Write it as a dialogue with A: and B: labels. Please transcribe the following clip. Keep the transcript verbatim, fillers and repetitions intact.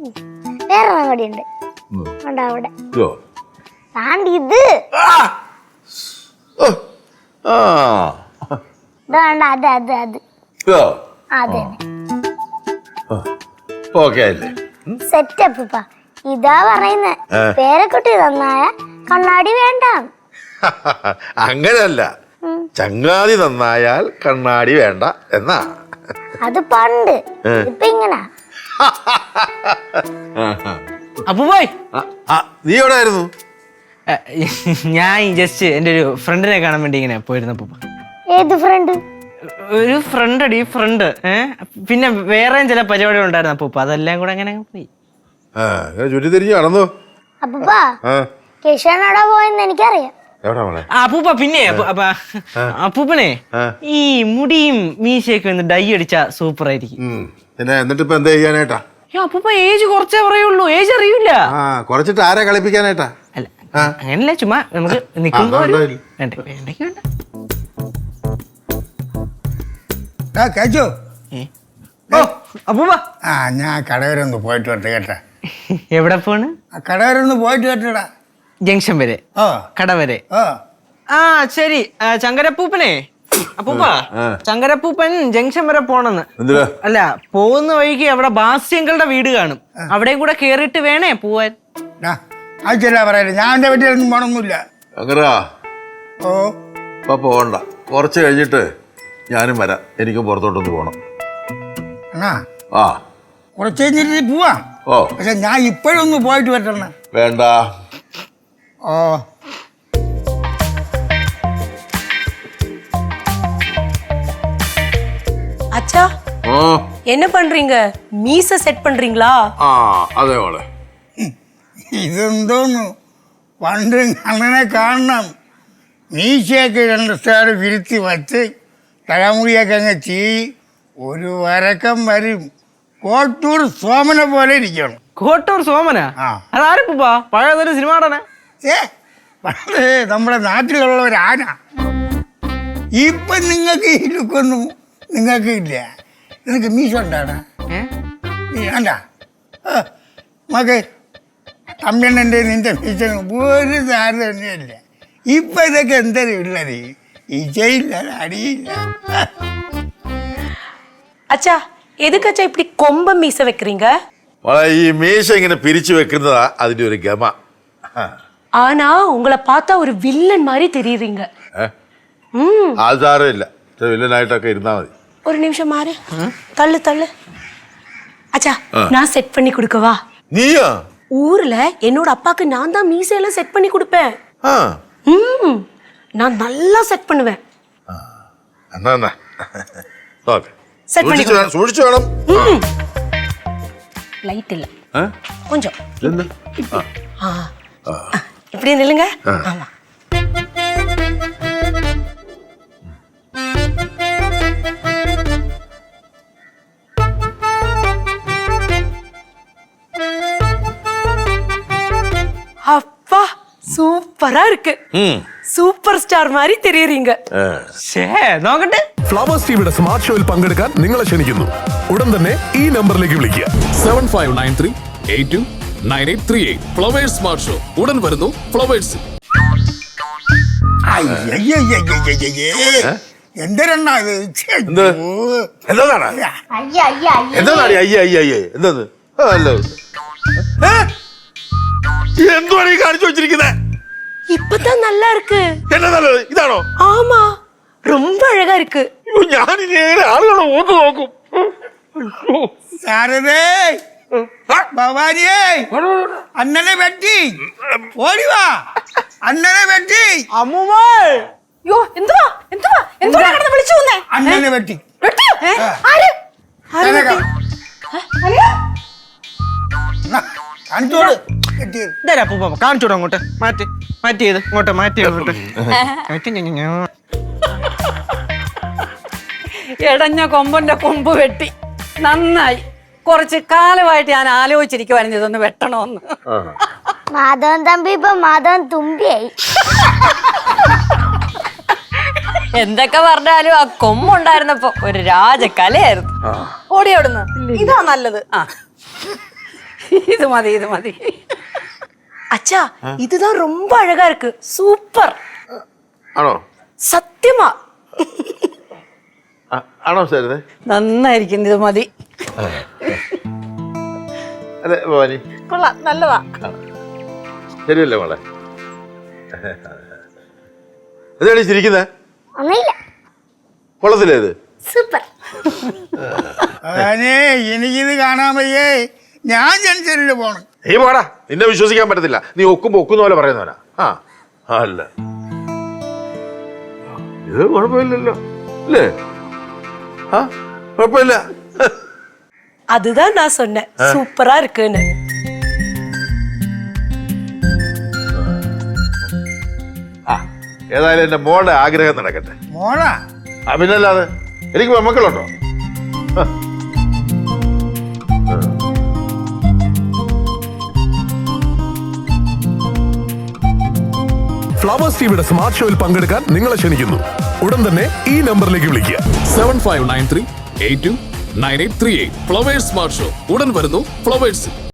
A: വേറെ കൂടി ഉണ്ട് അവിടെ ഇത് വേണ്ട അത് അത് അത് അതെ സെറ്റപ്പ് ഇതാ പറയുന്നേ പേരക്കുട്ടി നന്നായ കണ്ണാടി വേണ്ട.
B: അങ്ങനല്ല, ചങ്ങാതി നന്നായാൽ കണ്ണാടി വേണ്ട എന്നാ.
A: അത് പണ്ട്, ഇപ്പൊ ഇങ്ങനെ.
C: അപ്പൂപ്പായ്
B: നീ എവിടെ ആയിരുന്നു?
C: ഞാൻ ജസ്റ്റ് എന്റെ ഒരു ഫ്രണ്ടിനെ കാണാൻ വേണ്ടി ഇങ്ങനെ പോയിരുന്നു അപ്പൂപ്പ.
A: ഏത് ഫ്രണ്ട്?
C: ഒരു ഫ്രണ്ട് അടി ഫ്രണ്ട്. ഏഹ് പിന്നെ വേറെയും ചില പരിപാടികൾ ഉണ്ടായിരുന്നു അപ്പൂപ്പ, അതെല്ലാം കൂടെ അങ്ങനെ പോയി.
B: ചുറ്റി തിരിഞ്ഞു നടന്നു.
A: അപ്പൂപ്പാ കേശവനോടാ പോയെന്ന് എനിക്കറിയാം.
C: അപ്പൂപ്പ പിന്നെ അപ്പൂപ്പനെ ഈ മുടിയും മീശയൊക്കെ ഒന്ന് ഡൈ അടിച്ചാ സൂപ്പർ ആയിരിക്കും.
B: എന്നിട്ട് ഇപ്പൊ എന്താ ചെയ്യാനായിട്ടാ?
C: അപ്പൂപ്പ ഏജ് കുറച്ചേ പറയുള്ളൂ, ഏജ് അറിയില്ല.
B: കുറച്ചിട്ട് ആരെ കളിപ്പിക്കാനായിട്ടാ?
C: അല്ല അങ്ങനല്ല, ചുമ്മാ നമുക്ക് നിക്കുമ്പോ അപ്പൂപ്പ
D: ആ ഞാൻ കടവരൊന്ന് പോയിട്ട് വരട്ടെ കേട്ടാ.
C: എവിടെ പോണ്?
D: കടവരൊന്ന് പോയിട്ട് വരട്ടെടാ.
C: ജംഗ്ഷൻ വരെ, കട വരെ. ആ ശരി. ചങ്കരപ്പൂപ്പനെ അപ്പൂപ്പ, ചങ്കരപ്പൂപ്പൻ ജംഗ്ഷൻ വരെ പോണെന്ന്. അല്ല, പോകുന്ന വഴിക്ക് അവിടെ ബാസ്യങ്ങളുടെ വീട് കാണും, അവിടെയും കൂടെ കേറിയിട്ട് വേണേ പോവാൻ.
D: ആവശ്യമില്ല പറയാ, ഞാൻ എന്റെ വീട്ടിലൊന്നും പോണൊന്നുമില്ല.
B: ഓ ഇപ്പൊ പോകണ്ട, കുറച്ച് കഴിഞ്ഞിട്ട് ഞാനും വരാം, എനിക്കും പുറത്തോട്ടൊന്ന് പോണം. ആ
D: കുറച്ച് കഴിഞ്ഞിട്ട് പോവാം.
B: ഓ
D: പക്ഷെ ഞാൻ ഇപ്പോഴൊന്ന് പോയിട്ട് വരട്ടെ.
B: വേണ്ട.
D: ഓ
E: அச்சா என்ன பண்றீங்க? மீச செட் பண்றீங்களா?
B: ആ അതെ മോളെ.
D: ഇതെന്തോന്നു, പണ്ട് അണ്ണനെ കാണണം. മീശയൊക്കെ രണ്ട് സ്റ്റാറ് വിരുത്തി വച്ച് തലമുടിയൊക്കെ അങ്ങ് ചെയ്, ഒരു വരക്കം വരും. കോട്ടൂർ സോമനെ പോലെ ഇരിക്കണം.
C: കോട്ടൂർ സോമനാ? അതാരപ്പൂപ്പാ? പഴയതൊരു സിനിമ നടന.
D: ഏ പണ്ട് നമ്മുടെ നാട്ടിലുള്ള ഒരു ആന. ഇപ്പൊ നിങ്ങൾക്ക് ഈ ലുക്കൊന്നും നിങ്ങൾക്ക് ഇല്ല. നിനക്ക് മീശ ഉണ്ടാണ് വേണ്ട. മകെ തമ്മിണ്ണൻ്റെ നിന്റെ മീശ ഒരു സാരം തന്നെയല്ല. ഇപ്പൊ ഇതൊക്കെ എന്തൊരു ഉള്ളത്, ഇജയില്ല അടിയില്ല.
E: அச்சா எதுக்கு அச்சா இப்படி கொம்ப மீச வைக்கிறீங்க?
B: ഈ മീശ ഇങ്ങനെ പിരിച്ചു വെക്കുന്നതാ അതിന്റെ ഒരു ഗമ.
E: ஆனா உங்களை பார்த்தா ஒரு வில்லன் மாதிரி தெரியுறீங்க.
B: അത് സാരമില്ല, വില്ലനായിട്ടൊക്കെ ഇരുന്നാ മതി.
E: ஒரு நிமிஷம் மாறு, தள்ளு தள்ளு. அச்சா நான் செட் பண்ணி கொடுக்கவா?
B: நீயா?
E: ஊர்ல என்னோட அப்பாக்கு நான் தான் மீசையெல்லாம் செட் பண்ணி கொடுப்பேன். ம் நான் நல்லா செட் பண்ணுவேன்.
B: എന്നാ എന്നാ ഓക്കേ,
E: செட் பண்ணி
B: സൂക്ഷിച്ചു വേണം.
E: லைட் இல்ல, கொஞ்சம் இப்படி நில்லுங்க. ஆமா அப்பா சூப்பரா இருக்கு, സൂപ്പർ സ്റ്റാർ മാതിരി തെരിയറിയുക.
C: നോക്കട്ടെ.
F: ഫ്ലവേഴ്സ് ടിവിയുടെ സ്മാർട്ട് ഷോയിൽ പങ്കെടുക്കാൻ നിങ്ങളെ ക്ഷണിക്കുന്നു. ഉടൻ തന്നെ ഈ നമ്പറിലേക്ക് വിളിക്കുക.
G: Seven five nine three eight two nine eight three eight. Flowers smart show ഉടൻ വരുന്നു ഫ്ലവേഴ്സ്.
D: എന്തിനാ ഇത്?
B: എന്താണ് എന്താണ് അയ്യ അയ്യ അയ്യ എന്തത്? എന്തുവാണ് ഈ കാണിച്ചു വെച്ചിരിക്കുന്നത്?
E: இப்பதான் நல்லா இருக்கு.
B: என்ன நல்லது? ഇതാണോ?
E: ஆமா, ரொம்ப அழகா இருக்கு.
B: ഞാൻ ഇനി ആളുകളെ ഓക്ക് നോക്കും.
D: സാരദേ, ഭവാനിയേ, അണ്ണനെ വെട്ടി ഓടിവാ. അണ്ണനെ വെട്ടി.
C: അമ്മൂമ്മേ,
E: യോ എന്തുവാ എന്തുവാ എന്തുവാ കിടന്ന് വിളിച്ചു വന്നേ?
D: അണ്ണനെ വെട്ടി.
E: വെട്ടിയോ? ആര് ആര് വെട്ടി?
D: കാണിച്ചോട്.
C: കാണിച്ചോട്ടോ അങ്ങോട്ട്. മാറ്റി മാറ്റി ചെയ്ത് ഇങ്ങോട്ട് മാറ്റി അങ്ങോട്ട്.
H: എടഞ്ഞ കൊമ്പന്റെ കൊമ്പ് വെട്ടി, നന്നായി. കുറച്ച് കാലമായിട്ട് ഞാൻ ആലോചിച്ചിരിക്കുവായിരുന്നു ഇതൊന്ന് വെട്ടണോന്ന്.
A: മാധവൻ തമ്പി ഇപ്പൊ മാധവൻ തുമ്പിയായി.
H: എന്തൊക്കെ പറഞ്ഞാലും ആ കൊമ്പുണ്ടായിരുന്നപ്പോ ഒരു രാജകലയായിരുന്നു. ഓടിയോടുന്ന് ഇതാ നല്ലത്. ആ ഇത് മതി ഇത് മതി.
E: அச்சா இதுதான் ரொம்ப அழகா இருக்கு சூப்பர்
B: ആണോ?
E: சத்தியமா
B: ആ, ആണോ സാറിന്?
H: നന്നായിരിക്കും, ഇത് മതി.
B: അതെ ഭവാനി,
H: കൊള്ളാം, നല്ലതാ.
B: ശരിയല്ലേ മോളെ? എന്താണ് ചിരിക്കുന്നത്?
A: ഒന്നുമില്ല.
B: കൊള്ളത്തില്ലേ ഇത്?
A: സൂപ്പർ.
D: അതാനേ എനിക്കിത് കാണാൻ വയ്യേ, ഞാൻ ജനിച്ചതിൽ പോണം.
B: നീ പോടാ, നിന്നെ വിശ്വസിക്കാൻ പറ്റത്തില്ല. നീ ഒക്കുമ്പോ ഒക്കുന്ന പോലെ പറയുന്നവനാ. ആ അല്ല, ഇത് കുഴപ്പമില്ലല്ലോ അല്ലേ? ആ കുഴപ്പമില്ല.
E: அதுதான் நான் சொன்னேன் சூப்பரா இருக்குன்னு.
B: ആ ഏതായാലും എന്റെ മോളുടെ ആഗ്രഹം നടക്കട്ടെ.
D: മോളാ?
B: ആ പിന്നല്ലാതെ, എനിക്ക് മക്കളുണ്ടോ?
F: ഫ്ലവേഴ്സ് ടിവിയുടെ സ്മാർട്ട് ഷോയിൽ പങ്കെടുക്കാൻ നിങ്ങളെ ക്ഷണിക്കുന്നു. ഉടൻ തന്നെ ഈ നമ്പറിലേക്ക് വിളിക്കുക.
G: Seven five nine three eight two nine eight three eight. Flowers smart show ഉടൻ വരുന്നു ഫ്ലവേഴ്സിൽ.